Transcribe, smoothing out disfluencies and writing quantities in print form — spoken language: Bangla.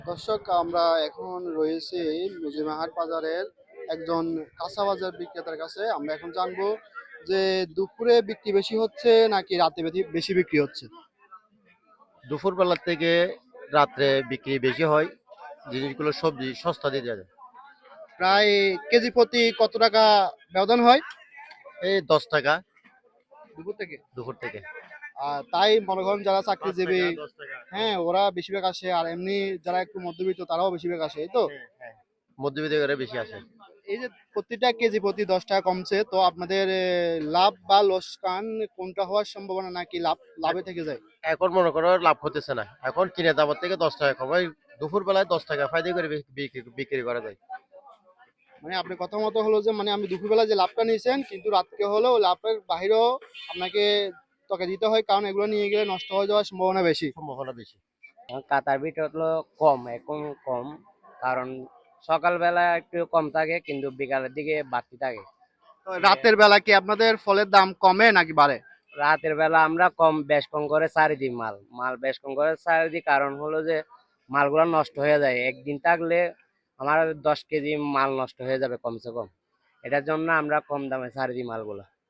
দর্শক, আমরা এখন রয়েছি মুজিমাহাট বাজারের একজন কাঁচা বাজার বিক্রেতার কাছে। আমরা এখন জানবো যে দুপুরে বিক্রি বেশি হচ্ছে নাকি রাতে বেশি বিক্রি হচ্ছে। দুপুর বেলার থেকে রাত্রে বিক্রি বেশি হয়। জিনিসগুলো সবজি সস্তা দিয়ে দেওয়া যায়। প্রায় কেজি প্রতি কত টাকা ব্যবধান হয় এই 10 টাকা দুপুর থেকে? দুপুর থেকে। তাই মনে করেন যারা 5 টাকা চাকরিজীবী, 10 টাকা। হ্যাঁ, ওরা বেশিরভাগ আসে, আর এমনি যারা একটু মধ্যবিত্ত তারাও বেশিরভাগ আসে, এই তো। হ্যাঁ হ্যাঁ, মধ্যবিত্ত করে বেশি আসে। এই যে প্রতিটা কেজি প্রতি 10 টাকা কমছে, তো আপনাদের লাভ বা লোকসান কোনটা হওয়ার সম্ভাবনা, নাকি লাভে থেকে যায়? এখন মনে করো লাভ হতেছে না, এখন কিনে দামের থেকে 10 টাকা কমাই। দুপুর বেলায় 10 টাকা ফায়দা করে বিক্রি করা যায়। মানে আপনার কথা মতো হলো যে, মানে আমি দুপুরবেলা যে লাভটা নিয়েছেন, কিন্তু রাতকে হলেও লাভের বাহিরেও আপনাকে টাকা দিতে হয়, কারণ এগুলো নিয়ে গেলে নষ্ট হয়ে যাওয়ার সম্ভাবনা বেশি। সম্ভাবনা বেশি। কাতার বিট হলো কম, এখন কম। কারণ সকালবেলা একটু কম থাকে, কিন্তু বিকালের দিকে বাড়তি থাকে। তো রাতের বেলা কি আপনাদের ফলের দাম কমে নাকি বাড়ে? রাতের বেলা আমরা বেশ কম করে ছাড়ি দিই, মাল বেশ কম করে ছাড়ি দিই। কারণ হলো যে মালগুলো নষ্ট হয়ে যায় একদিন থাকলে। আমার 10 কেজি মাল নষ্ট হয়ে যাবে কমসে কম। এটার জন্য আমরা কম দামে ছাড়ি দিই মালগুলো।